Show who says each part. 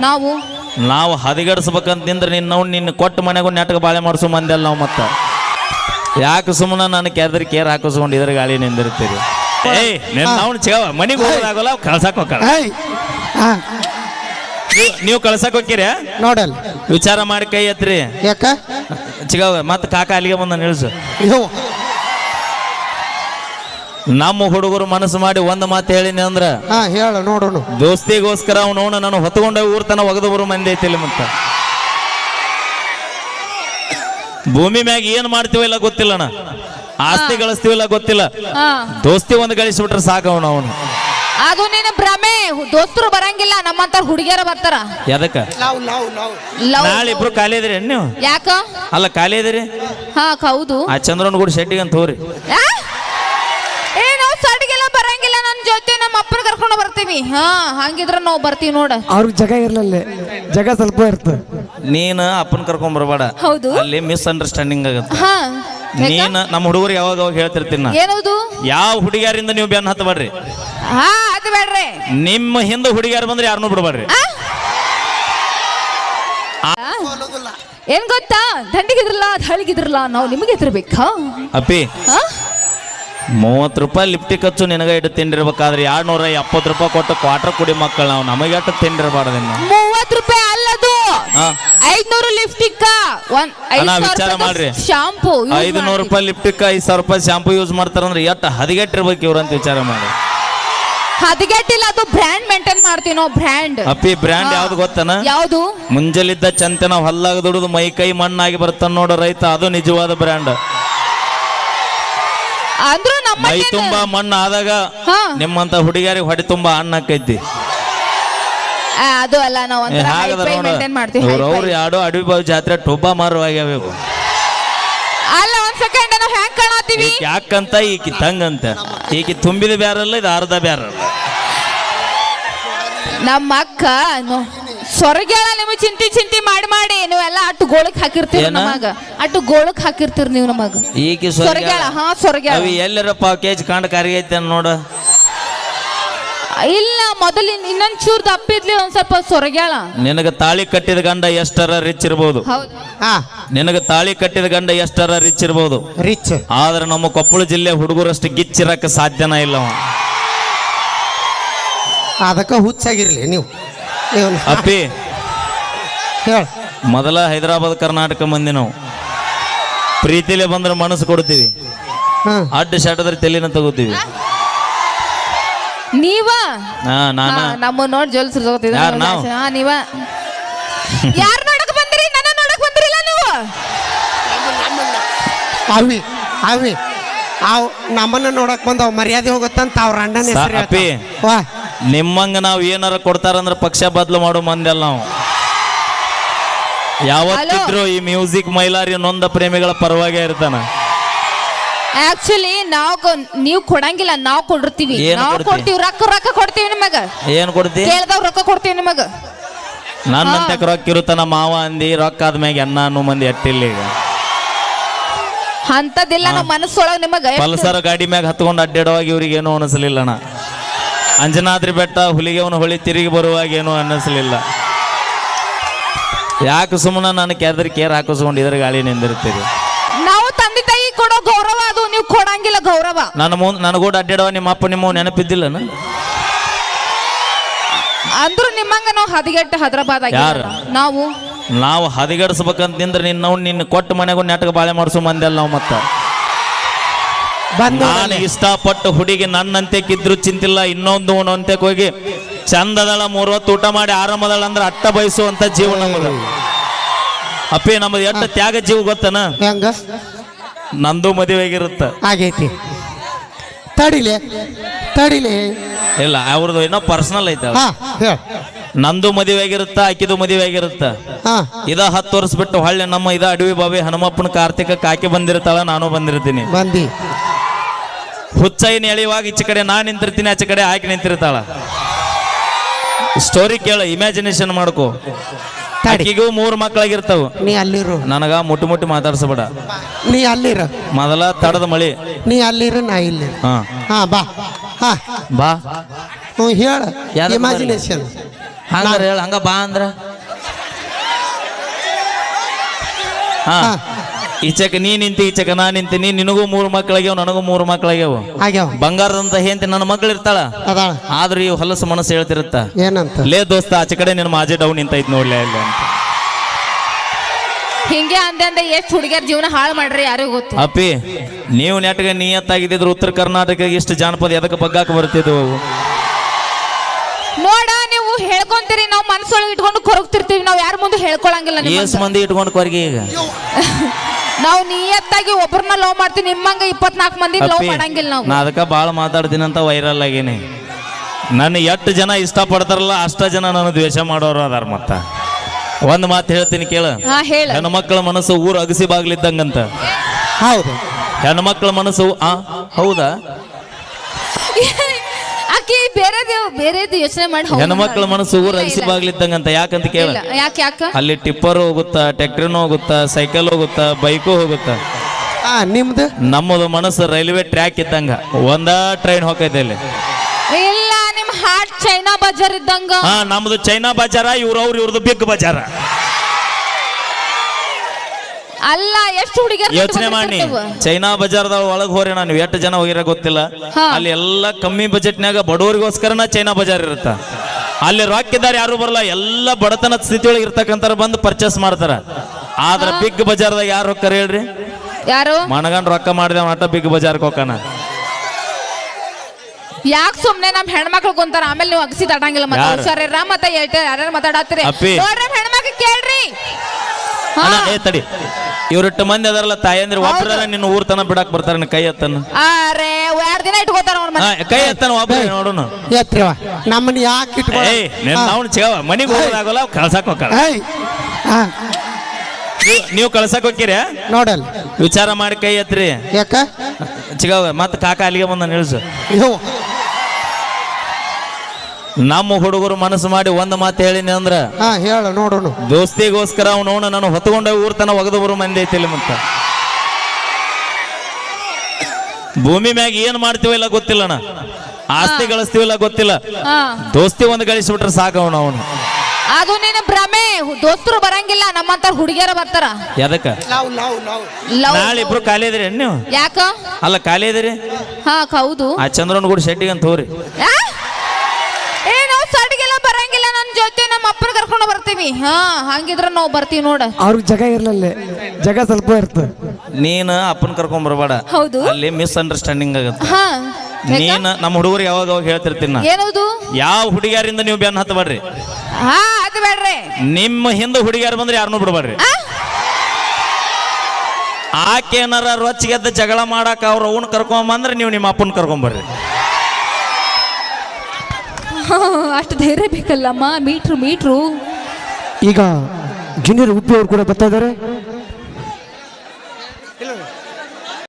Speaker 1: ನಾವು ಹದಿಗಡಿಸ್ಬೇಕಂತಿಂದ್ರೆ ನಿನ್ನ ಕೊಟ್ಟು ಮನೆಗೂ ನೆಟ್ಗೆ ಬಾಳೆ ಮಾಡಿಸೋ ಮಂದೆಲ್ಲ ನಾವು ಮತ್ತೆ ಯಾಕೆ ಸುಮ್ಮನೆ ನಾನು ಕೆದ್ರ ಕೇರ್ ಹಾಕಿಸ್ಕೊಂಡು ಇದ್ರ ಗಾಳಿ ನಿಂದಿರ್ತೀರಿ ಏಯ್ ನಾವು ಚಿಗವ ಮನೆಗೆ ಹೋಗೋದಾಗಲ್ಲ ಕಳ್ಸಕ್ ಹೋಗ್ತಾರ ನೀವು ಕಳ್ಸಕ್ ಹೋಗ್ತೀರ
Speaker 2: ನೋಡಲ್
Speaker 1: ವಿಚಾರ ಮಾಡಿ ಕೈ ಎತ್ರಿ
Speaker 2: ಯಾಕ
Speaker 1: ಚಿಗವ ಮತ್ತೆ ಕಾಕ ಅಲ್ಲಿಗೆ ಬಂದ ನಿಲ್ಸು ನಮ್ಮ ಹುಡುಗರು ಮನಸ್ಸು ಮಾಡಿ ಒಂದು ಮಾತು ಹೇಳಿನಿ ಅಂದ್ರ
Speaker 2: ಹೇಳ ನೋಡೋಣ
Speaker 1: ದೋಸ್ತಿಗೋಸ್ಕರ ಅವನು ನಾನು ಹೊತ್ಕೊಂಡ ಊರ್ ತನ ಒಗದು ಬರೋ ಮಂದಿ ಐತಿಲ್ಲ ಮತ್ತ ಭೂಮಿ ಮ್ಯಾಗ ಏನ್ ಮಾಡ್ತೀವಿಲ್ಲ ಗೊತ್ತಿಲ್ಲಣ್ಣ ಆಸ್ತಿ ಗಳಿಸ್ತೀವಿಲ್ಲ ಗೊತ್ತಿಲ್ಲ ದೋಸ್ತಿ ಒಂದು ಗಳಿಸ್ಬಿಟ್ರೆ ಸಾಕವನು ಅವನು
Speaker 3: ಅದು ನಿನ್ನ ಭ್ರಮೆ ದೋಸ್ತರು ಬರಂಗಿಲ್ಲ ನಮ್ಮಂತ ಹುಡುಗಿಯರ ಬರ್ತಾರ
Speaker 1: ಎದಕ್ಕ ನಾಳೆ ಇಬ್ರು ಖಾಲಿ ಇದ್ರಿ ನೀವು
Speaker 3: ಯಾಕ
Speaker 1: ಅಲ್ಲ ಖಾಲಿ ಇದ್ರಿ
Speaker 3: ಹೌದು
Speaker 1: ಆ ಚಂದ್ರನ್ ಕೂಡ ಶೆಟ್ಟಿಗೆ ಅಂತ ಹೋರಿ
Speaker 3: ನಾವು ಸಡ್ಗೆಲ್ಲ ಬರಂಗಿಲ್ಲ ನನ್ನ ಜೊತೆ ನಮ್ಮ ಅಪ್ಪನ ಕರ್ಕೊಂಡು ಬರ್ತೀವಿ ಹಂಗಿದ್ರ ನಾವು ಬರ್ತೀವಿ ನೋಡ
Speaker 2: ಅವ್ರಿಗೆ ಜಾಗ ಇರ್ಲಲ್ಲ ಜಾಗ ಸ್ವಲ್ಪ ಇರ್ತದೆ
Speaker 1: ನೀನು ಅಪ್ಪನ ಕರ್ಕೊಂಡ್ ಬರಬೇಡ
Speaker 3: ಹೌದು
Speaker 1: ಅಲ್ಲಿ ಮಿಸ್ ಅಂಡರ್ಸ್ಟ್ಯಾಂಡಿಂಗ್ ಆಗುತ್ತೆ ನೀನ್ ನಮ್ಮ ಹುಡುಗರು ಯಾವಾಗ ಹೇಳ್ತಿರ್ತೀನಿ
Speaker 3: ಏನದು
Speaker 1: ಯಾವ ಹುಡುಗಿಯರಿಂದ ನೀವು ಬೆನ್ನ ಹತ್ತಬೇಡ್ರಿ
Speaker 3: ಅದು ಬೇಡ್ರಿ
Speaker 1: ನಿಮ್ಮ ಹಿಂದೆ ಹುಡುಗಿಯಾರು ಬಂದ್ರೆ ಯಾರನ್ನೂ ಬಿಡಬೇಡ್ರಿ
Speaker 3: ಏನ್ ಗೊತ್ತಾ ದಂಡಿಗಿದ್ರಲ್ಲ ಹಳಿಗಿದ್ರಲ್ಲ ನಾವು ನಿಮಗೆ ಎತ್ತಿರ್ಬೇಕಾ
Speaker 1: ಅಪ್ಪಿ 30 ರೂಪಾಯಿ ಲಿಫ್ಟಿಗೆ ಖರ್ಚು ನಿನಗ ಇಟ್ಟು ತಿಂಡಿರ್ಬೇಕಾದ್ರೆ 270 ರೂಪಾಯಿ ಕೊಟ್ಟು ಕ್ವಾರ್ಟರ್ ಕುಡಿ ಮಕ್ಕಳು ನಾವು ನಮಗೆ ಅಟ್ಟು ತಿಂಡಿರ್ಬಾರ್ದು
Speaker 3: 30 ರೂಪಾಯಿ ಅಲ್ಲದು 500 ಲಿಫ್ಟಿಕ್
Speaker 1: ವಿಚಾರ ಮಾಡ್ರಿ
Speaker 3: ಶಾಂಪೂ
Speaker 1: 500 ರೂಪಾಯಿ ಲಿಫ್ಟಿಕ್ 5000 ರೂಪಾಯಿ ಶಾಂಪೂ ಯೂಸ್ ಮಾಡ್ತಾರಂದ್ರೆ ಎಷ್ಟು ಹದಿಗೆಟ್ಟಿರ್ಬೇಕು ಇವ್ರಂತ ವಿಚಾರ ಮಾಡಿ
Speaker 3: ಹದಿಗೆಟ್ಟಿಲ್ಲ ಅದು ಬ್ರ್ಯಾಂಡ್ ಮೇಂಟೈನ್ ಮಾಡ್ತೀವಿ ನಾವು ಬ್ರ್ಯಾಂಡ್
Speaker 1: ಅಪ್ಪಿ ಬ್ರ್ಯಾಂಡ್ ಯಾವ್ದು ಗೊತ್ತನ
Speaker 3: ಯಾವ್ದು
Speaker 1: ಮುಂಜಲಿದ್ದ ಚಂತೆ ನಾವು ಹಲ್ಲಾಗ ದುಡಿದು ಮೈ ಕೈ ಮಣ್ಣಾಗಿ ಬರ್ತಾನ ನೋಡೋ ರೈತ ಅದು ನಿಜವಾದ ಬ್ರ್ಯಾಂಡ್
Speaker 3: ಅಂದ್ರೂ ನಮ್ಮ
Speaker 1: ಮೈ ತುಂಬಾ ಮಣ್ಣು ಆದಾಗ ನಿಮ್ಮಂತ ಹುಡುಗಿಯರಿಗೆ ಹೊಡೆ ತುಂಬಾ ಹಣ್ಣು ಹಾಕೈತಿ
Speaker 3: ಅದು ಅಲ್ಲ ನಾವು ಮೇಂಟೈನ್ ಮಾಡ್ತೀವಿ
Speaker 1: ಅವ್ರು ಯಾಡೋ ಅಡವಿ ಬಾವಿ ಜಾತ್ರೆ ಟೊಬ್ಬ ಮಾರುವಾಗ್ಯಾವ
Speaker 3: ಅಲ್ಲ ಒಂದ್ ಸೆಕೆಂಡ್ ನಾವು ಹ್ಯಾಂಗ್ ಕಾಣತ್ತೀವಿ
Speaker 1: ಯಾಕಂತ ಈಕಿ ತಂಗಂತ ಈಕಿ ತುಂಬಿದ ಬ್ಯಾರಲ್ಲ ಇದು ಅರ್ಧ ಬ್ಯಾರಲ್ಲ
Speaker 3: ನಮ್ಮ ಅಕ್ಕ ಸೊರಗ್ಯಾಳ ನಿಮಗೆ ಚಿಂತಿ ಮಾಡಿ ನೀವೆಲ್ಲ ಅಟ್ಟು ಗೋಳಕ್ ಹಾಕಿರ್ತೀರಿ ನಮಗ ಅಟ್ಟು ಗೋಳಕ್ ಹಾಕಿರ್ತೀರಿ ನೀವು ನಮಗ
Speaker 1: ಈಕಿ
Speaker 3: ಸೊರಗ್ಯಾಳ ಸೊರಗ್ಯಾಳ
Speaker 1: ಎಲ್ಲರ ಪಾವ್ ಕೇಜ್ ಕಾಂಡ ಕರಿಗೈತೆ ನೋಡ
Speaker 3: ಇಲ್ಲ ಮೊದಲು ಇನ್ನೊಂದ್ ಚೂರ್ ದಪ್ಪಿದ್ಲಿ ಒಂದ್ ಸ್ವಲ್ಪ ಸೊರಗ್ಯಾಳ
Speaker 1: ನಿನಗ ತಾಳಿ ಕಟ್ಟಿದ ಗಂಡ ಎಷ್ಟರ ರಿಚ್ ಇರ್ಬೋದು ನಿನಗ ತಾಳಿ ಕಟ್ಟಿದ ಗಂಡ ಎಷ್ಟರ ರಿಚ್ ಇರ್ಬೋದು
Speaker 2: ರಿಚ್
Speaker 1: ಆದ್ರೆ ನಮ್ಮ ಕೊಪ್ಪಳ ಜಿಲ್ಲೆ ಹುಡುಗರಷ್ಟು ಗಿಚ್ಚಿರಕ್ಕೆ ಸಾಧ್ಯನ ಇಲ್ಲ
Speaker 2: ಅದಕ್ಕ ಹುಚ್ಚಾಗಿರ್ಲಿ ನೀವು
Speaker 1: ಅಪ್ಪಿ ಮೊದಲ ಹೈದರಾಬಾದ್ ಕರ್ನಾಟಕ ಮಂದಿ ನಾವು ಪ್ರೀತಿಲೇ ಬಂದ್ರೆ ಮನಸ್ಸು ಕೊಡ್ತೀವಿ ಅಡ್ಡ ಶಾಟದ್ರೆ ತಲೆನ ತಗೋತೀವಿ
Speaker 3: ನೀವ ನಮ್ಮ ನೋಡಿ ಜೋಲ್ಸ್ ನೀವ ಯಾರು ನೋಡಕ್ ಬಂದ್ರಿ ನನ್ನ ನೋಡಕ್ ಬಂದ್ರಿಲ್ಲ ನೀವು
Speaker 2: ಅವಿ ನಮ್ಮನ್ನ ನೋಡಕ್ ಬಂದವ್ ಮರ್ಯಾದೆ ಹೋಗುತ್ತಂತ ಅವ್ರ ಅಣ್ಣನ
Speaker 1: ಅಪ್ಪಿ ನಿಮ್ಮಂಗ ನಾವ್ ಏನಾರ ಕೊಡ್ತಾರಂದ್ರ ಪಕ್ಷ ಬದಲು ಮಾಡೋ ಮಂದೆಲ್ಲ ನಾವು ಯಾವತ್ತಿದ್ರು ಈ ಮ್ಯೂಸಿಕ್ ಮೈಲಾರಿ ನೊಂದ ಪ್ರೇಮಿಗಳ ಪರವಾಗೇ ಇರ್ತಾನ
Speaker 3: ಆಕ್ಚುಲಿ ನೀವು ಕೊಡಂಗಿಲ್ಲ ನಾವು ಕೊಡಿರ್ತೀವಿ ನಾವು ಕೊಡ್ತೀವಿ ರೊಕ್ಕ ಕೊಡ್ತೀವಿ ನಿಮಗ
Speaker 1: ಏನ್ ಕೊಡ್ತೀವಿ
Speaker 3: ಕೇಳ್ದವ್ ರೊಕ್ಕ ಕೊಡ್ತೀವಿ ನಿಮಗ
Speaker 1: ನನ್ನಂತೆ ರೊಕ್ಕ ಇರುತ್ತಾನ ಮಾವ ಅಂದಿ ರೊಕ್ಕ ಆದ್ಮ್ಯಾಗ ಅನ್ನ ಅನ್ನೋ ಮಂದಿ ಎಟ್ಟಿಲ್ಲ ಈಗ
Speaker 3: ಅಂತದಿಲ್ಲ ನಮ್ಮ ಮನಸ್ಸೊಳಗ ನಿಮಗ
Speaker 1: ಪಲ್ಸರ್ ಗಾಡಿ ಮ್ಯಾಗ ಹತ್ಕೊಂಡು ಅಡ್ಡಾಡುವಾಗ ಇವ್ರಿಗೆ ಏನೂ ಅನಿಸ್ಲಿಲ್ಲಣ್ಣ ಅಂಜನಾದ್ರಿ ಬೆಟ್ಟ ಹುಲಿಗೆವನ ಹೊಳಿ ತಿರುಗಿ ಬರುವಾಗ ಏನೂ ಅನ್ನಿಸ್ಲಿಲ್ಲ ಯಾಕೆ ಸುಮ್ಮನೆ ನಾನು ಕೆದ್ರ ಕೇರ್ ಹಾಕಿಸ್ಕೊಂಡು ಇದ್ರ ಗಾಳಿ ನಿಂದಿರ್ತೀರಿ
Speaker 3: ನಾವು ತಂದೆ ತಾಯಿ ಕೊಡೋ ಗೌರವ ಅದು ನೀವು ಕೊಡಂಗಿಲ್ಲ ಗೌರವ
Speaker 1: ನನಗೂಡ ಅಡ್ಡಾಡುವ ನಿಮ್ಮ ಅಪ್ಪ ನಿಮ್ಮ ನೆನಪಿದ್ದಿಲ್ಲನ
Speaker 3: ಅಂದ್ರು ನಿಮ್ಮಂಗ ನಾವು ಹದಿಗೆಟ್ಟ ಹೈದರಾಬಾದ್ ನಾವು
Speaker 1: ಹದಿಗಡಿಸ್ಬೇಕಂತಿಂದ್ರೆ ನಿನ್ನ ಕೊಟ್ಟು ಮನೆಗೂ ನೆಟ್ಗೆ ಬಾಳೆ ಮಾಡಿಸೋ ಮಂದೆಲ್ಲ ನಾವು ಮತ್ತ ನಾನು ಇಷ್ಟಪಟ್ಟು ಹುಡುಗಿ ನನ್ನಂತೆ ಕಿದ್ರು ಚಿಂತಿಲ್ಲ ಇನ್ನೊಂದು ಅಂತೆ ಹೋಗಿ ಚಂದದಳ 3 ಹೊತ್ತು ಊಟ ಮಾಡಿ ಆರಾಮದಳ ಅಂದ್ರೆ ಅಟ್ಟ ಬಯಸುವಂತ ಜೀವ ನಮ್ಮದು ಅಪ್ಪಿ ನಮ್ಮದು ಎಷ್ಟು ತ್ಯಾಗ ಜೀವ ಗೊತ್ತನ ನಂದು ಮದುವೆ ಆಗಿರುತ್ತ
Speaker 2: ಆಗೈತಿ ತಡಿಲೆ
Speaker 1: ಇಲ್ಲ ಅವ್ರದ್ದು ಏನೋ ಪರ್ಸನಲ್ ಐತೆ ನಂದು ಮದುವೆ ಆಗಿರುತ್ತ ಆಕಿದು ಮದುವೆ ಆಗಿರುತ್ತ ಇದ 10 ವರ್ಷ ಬಿಟ್ಟು ಹೊಳ್ಳಿ ನಮ್ಮ ಇದ ಅಡವಿ ಬಾವಿ ಹನುಮಪ್ಪನ ಕಾರ್ತಿಕ ಕಾಕಿ ಬಂದಿರ್ತಾಳ ನಾನು ಬಂದಿರ್ತೀನಿ ಹುಚ್ಚೈನ ಎಳೆಯುವಾಗ ಈಚೆ ಕಡೆ ನಾನ್ ನಿಂತಿರ್ತೀನಿ ಆಚೆ ಕಡೆ ಆಕೆ ನಿಂತಿರ್ತಾಳ ಸ್ಟೋರಿ ಕೇಳ ಇಮ್ಯಾಜಿನೇಷನ್ ಮಾಡ್ಕೋ ಆಕಿಗೂ 3 ಮಕ್ಕಳಾಗಿರ್ತಾವ
Speaker 2: ನೀ ಅಲ್ಲಿರು
Speaker 1: ನನಗ ಮುಟ್ಟಿ ಮಾತಾಡ್ಸಬೇಡ
Speaker 2: ನೀ ಅಲ್ಲಿರ
Speaker 1: ಮೊದಲ ತಡದ ಮಳಿ
Speaker 2: ನೀ ಅಲ್ಲಿರ ನಾ ಇಲ್ಲಿ ಬಾ
Speaker 1: ಬಾ
Speaker 2: ಹೇಳ ಇಮ್ಯಾಜಿನೇಷನ್
Speaker 1: ಹಂಗಾರ ಹೇಳ ಹಂಗ ಬಾ ಅಂದ್ರ ಹಾ ಈಚೆಕ ನೀ ನಿಂತಿ ಈಚೆಕ ನಾ ನಿಂತೀನಿ ನಿನಗೂ 3 ಮಕ್ಕಳಾಗ್ಯಾವ ನನಗೂ 3 ಮಕ್ಕಳಾಗ್ಯಾವ
Speaker 2: ಆಗ್ಯಾವ
Speaker 1: ಬಂಗಾರದಂತ ಹೆಂತಿ ನನ್ನ ಮಗಳು ಇರ್ತಾಳ
Speaker 2: ಅದಾಳ
Speaker 1: ಆದ್ರೆ ಈ ಹೊಲಸು ಮನಸ್ಸು ಹೇಳ್ತಿರುತ್ತ
Speaker 2: ಏನಂತ
Speaker 1: ಲೇ ದೋಸ್ತ ಆಚೆ ಕಡೆ ನಿನ್ನ ಮಾಜೆ ಡೌನ್ ನಿಂತೈತ್ ನೋಡ್ಲೇ ಇಲ್ಲ ಅಂತ
Speaker 3: ಹಿಂಗೆ ಅಂದೆ ಎಷ್ಟು ಹುಡುಗಿಯರ್ ಜೀವನ ಹಾಳು ಮಾಡ್ರಿ ಯಾರಿಗೂ ಗೊತ್ತು.
Speaker 1: ಅಪ್ಪಿ ನೀವು ನೆಟ್ಗೆ ನಿಯತ್ತಾಗಿದ್ದಿದ್ರು ಉತ್ತರ ಕರ್ನಾಟಕ ಇಷ್ಟು ಜಾನಪದ ಎದಕ್ಕೆ ಬಗ್ಗಾಕ ಬರ್ತಿದ್ವು
Speaker 3: ನೋಡ ನೀವು ಹೇಳ್ಕೊಂತೀರಿ ನಾವು ಮನಸ್ಸೊಳಗೆ ಇಟ್ಕೊಂಡು ಕೊರಗ್ತಿರ್ತೀವಿ ನಾವು ಯಾರ ಮುಂದೆ ಹೇಳ್ಕೊಳಂಗಿಲ್ಲ
Speaker 1: ಎಸ್ ಮಂದಿ ಇಟ್ಕೊಂಡು ಕೊರ್ಗಿ ಈಗ
Speaker 3: ನಾವು ನಿಯತ್ತಾಗಿ ಒಬ್ಬರನ್ನ ಲವ್ ಮಾಡ್ತೀವಿ ನಿಮ್ಮಂಗ 24 ಮಂದಿ ಲವ್ ಮಾಡಂಗಿಲ್ಲ ನಾವು.
Speaker 1: ನಾ ಅದಕ್ಕೆ ಭಾಳ ಮಾತಾಡ್ತೀನಂತ ವೈರಲ್ ಆಗೀನಿ ನನ್ನ ಎಷ್ಟು ಜನ ಇಷ್ಟಪಡ್ತಾರಲ್ಲ ಅಷ್ಟ ಜನ ನನ್ನ ದ್ವೇಷ ಮಾಡೋರು ಅದಾರ ಮತ್ತ ಒಂದ್ ಮಾತು ಹೇಳ್ತೀನಿ ಕೇಳ
Speaker 3: ಹೇಳ
Speaker 1: ಹೆಣ್ಣು ಮಕ್ಕಳ ಮನಸ್ಸು ಊರು ಅಗಸಿ ಬಾಗ್ಲಿದ್ದಂಗಂತ
Speaker 2: ಹೌದು
Speaker 1: ಹೆಣ್ಣು ಮಕ್ಕಳ ಮನಸ್ಸು ಹೌದಾ
Speaker 3: ಆಕಿ ಬೇರೆದು ಯೋಚನೆ ಮಾಡಿ
Speaker 1: ಹೆಣ್ಣು ಮಕ್ಕಳ ಮನಸ್ಸು ಊರು ಅಗಸಿ ಬಾಗ್ಲಿದ್ದಂಗಂತ ಯಾಕಂತ ಕೇಳ
Speaker 3: ಯಾಕೆ
Speaker 1: ಅಲ್ಲಿ ಟಿಪ್ಪರ್ ಹೋಗುತ್ತಾ ಟ್ಯಾಕ್ಟ್ರಿನೂ ಹೋಗುತ್ತಾ ಸೈಕಲ್ ಹೋಗುತ್ತಾ ಬೈಕು ಹೋಗುತ್ತಾ
Speaker 2: ನಿಮ್ದು
Speaker 1: ನಮ್ಮದು ಮನಸ್ಸು ರೈಲ್ವೆ ಟ್ರ್ಯಾಕ್ ಇದ್ದಂಗ ಒಂದ ಟ್ರೈನ್ ಹೋಗೈತೆ ಇಲ್ಲಿ
Speaker 3: ಇಲ್ಲ ನಿಮ್ ಹಾರ್ಟ್ ಚೈನಾ ಬಜಾರ್ ಇದ್ದಂಗ
Speaker 1: ನಮ್ದು ಚೈನಾ ಬಜಾರ ಇವ್ರದ್ದು ಬಿಗ್ ಬಜಾರ
Speaker 3: ಅಲ್ಲ ಎಷ್ಟು ಹುಡುಗಿಯರು
Speaker 1: ಯೋಚನೆ ಮಾಡಿ ಚೈನಾ ಬಜಾರ್ದಾಗ ಒಳಗೆ ಹೋರಿ ನಾನು ಎಷ್ಟು ಜನ ಹೋಗಿರ ಗೊತ್ತಿಲ್ಲ ಅಲ್ಲಿ ಎಲ್ಲ ಕಮ್ಮಿ ಬಜೆಟ್ನಾಗ ಬಡವರಿಗೋಸ್ಕರನ ಚೈನಾ ಬಜಾರ್ ಇರುತ್ತ ಅಲ್ಲಿ ರೊಕ್ಕಿದ್ದಾರೆ ಯಾರು ಬರಲ್ಲ ಎಲ್ಲ ಬಡತನ ಸ್ಥಿತಿಯೊಳಗೆ ಇರ್ತಕ್ಕಂಥ ಬಂದು ಪರ್ಚೇಸ್ ಮಾಡ್ತಾರ ಆದ್ರ ಬಿಗ್ ಬಜಾರ್ದಾಗ ಯಾರು ಹೋಗ್ತಾರ ಹೇಳ್ರಿ
Speaker 3: ಯಾರು
Speaker 1: ಮನಗಂಡ್ ರೊಕ್ಕ ಮಾಡಿದೆ ಆಟ ಬಿಗ್ ಬಜಾರ್ಗೆ ಹೋಗೋಣ
Speaker 3: ಯಾಕೆ ಸುಮ್ನೆ ನಮ್ ಹೆಣ್ಮಕ್ಳು ಕುಂತಾರ ಆಮೇಲೆ ನೀವು ಅಗಸಿ ತಟಂಗಿಲ್ಲ ಮತ್ತೆ ಹುಷಾರಿರ ಮತ್ತೆ ಯಾರ್ಯಾರು ಮಾತಾಡತ್ತೀರಿ ನೋಡ್ರಿ ಹೆಣ್ಮಕ್ಳು ಕೇಳ್ರಿ
Speaker 1: ತಡಿ ಇವ್ರಿಟ್ಟು ಮಂದಿ ಅದರಲ್ಲ ತಾಯಂದ್ರೆ ಒಬ್ಬರ ನಿನ್ನ ಊರ್ ತನ ಬಿಡಾಕ್ ಬರ್ತಾರ ಕೈ ಎತ್ತನ
Speaker 3: ಅರೆ 2 ದಿನ ಇಟ್ಕೋತಾರ
Speaker 1: ಕೈ ಎತ್ತನ ಒಬ್ಬ ನೋಡೋಣ
Speaker 2: ನಮ್ಮನ್ನ ಯಾಕೆ
Speaker 1: ಮನಿಗೆ ಹೋಗೋದಾಗಲ್ಲ ಕಳ್ಸಾಕ್ ಹೋಗ್ತಾರ ನೀವು ಕಳ್ಸಕ್ ಹೋಗ್ತೀರ
Speaker 2: ನೋಡಲ್
Speaker 1: ವಿಚಾರ ಮಾಡಿ ಕೈ ಎತ್ರಿ
Speaker 2: ಯಾಕ
Speaker 1: ಚಿಗವ ಮತ್ತ ಕಾಕ ಅಲ್ಲಿಗೆ ಬಂದ ನಿಲ್ಸು ನಮ್ಮ ಹುಡುಗರು ಮನಸ್ಸು ಮಾಡಿ ಒಂದ್ ಮಾತು ಹೇಳಿನಿ ಅಂದ್ರ
Speaker 2: ಹೇಳ ನೋಡೋಣ
Speaker 1: ದೋಸ್ತಿಗೋಸ್ಕರ ಅವನು ನಾನು ಹೊತ್ಕೊಂಡ ಊರ್ ತನ ಒಗದು ಬರೋ ಮಂದಿ ಐತಿಲ್ಲ ಮತ್ತ ಭೂಮಿ ಮ್ಯಾಗ ಏನ್ ಮಾಡ್ತೀವಿಲ್ಲ ಗೊತ್ತಿಲ್ಲಣ್ಣ ಆಸ್ತಿ ಗಳಿಸ್ತೀವಿಲ್ಲ ಗೊತ್ತಿಲ್ಲ ದೋಸ್ತಿ ಒಂದು ಗಳಿಸ್ಬಿಟ್ರೆ ಸಾಕವನು ಅವನು
Speaker 3: ಅದು ನಿನ್ನ ಭ್ರಮೆ ದೋಸ್ತರು ಬರಂಗಿಲ್ಲ ನಮ್ಮಂತ ಹುಡುಗಿಯರ ಬರ್ತಾರ
Speaker 1: ಎದಕ್ಕ ನಾಳೆ ಇಬ್ರು ಖಾಲಿ ಇದ್ರಿ ನೀವು
Speaker 3: ಯಾಕ
Speaker 1: ಅಲ್ಲ ಖಾಲಿ ಇದ್ರಿ
Speaker 3: ಹೌದು
Speaker 1: ಆ ಚಂದ್ರನ್ ಕೂಡ ಶೆಟ್ಟಿಗೆ ಅಂತ ಹೋರಿ
Speaker 3: ನಾವು ಸಡ್ಗೆಲ್ಲ ಬರಂಗಿಲ್ಲ ನನ್ನ ಜೊತೆ ನಮ್ಮ ಅಪ್ಪನ ಕರ್ಕೊಂಡು ಬರ್ತೀವಿ ಹಂಗಿದ್ರ ನಾವು ಬರ್ತೀವಿ ನೋಡ
Speaker 2: ಅವ್ರಿಗೆ ಜಾಗ ಇರ್ಲಲ್ಲ ಜಾಗ ಸ್ವಲ್ಪ ಇರ್ತದೆ
Speaker 1: ನೀನು ಅಪ್ಪನ ಕರ್ಕೊಂಡ್ ಬರಬೇಡ
Speaker 3: ಹೌದು
Speaker 1: ಅಲ್ಲಿ ಮಿಸ್ ಅಂಡರ್ಸ್ಟ್ಯಾಂಡಿಂಗ್ ಆಗುತ್ತೆ ನೀನ್ ನಮ್ಮ ಹುಡುಗರು ಯಾವಾಗ ಹೇಳ್ತಿರ್ತೀನಿ
Speaker 3: ಏನದು
Speaker 1: ಯಾವ ಹುಡುಗಿಯರಿಂದ ನೀವು ಬೆನ್ನ ಹತ್ತಬೇಡ್ರಿ
Speaker 3: ಅದು ಬೇಡ್ರಿ
Speaker 1: ನಿಮ್ಮ ಹಿಂದೆ ಹುಡುಗಿಯಾರು ಬಂದ್ರೆ ಯಾರನ್ನೂ ಬಿಡಬೇಡ್ರಿ ಆಕೆ ಏನಾರ ರೊಚ್ಚಿಗೆದ್ದ ಜಗಳ ಮಾಡಾಕ ಅವ್ರ ಅವನ್ ಕರ್ಕೊಂಬಂದ್ರೆ ನೀವು ನಿಮ್ಮ ಅಪ್ಪನ ಕರ್ಕೊಂಬರ್ರಿ
Speaker 3: ಅಷ್ಟು ಧೈರ್ಯ ಬೇಕಲ್ಲಮ್ಮ ಮೀಟ್ರು
Speaker 2: ಈಗ ಜೂನಿಯರ್ ಉಪ್ಪಿ ಅವ್ರು ಕೂಡ ಬರ್ತಾ ಇದಾರೆ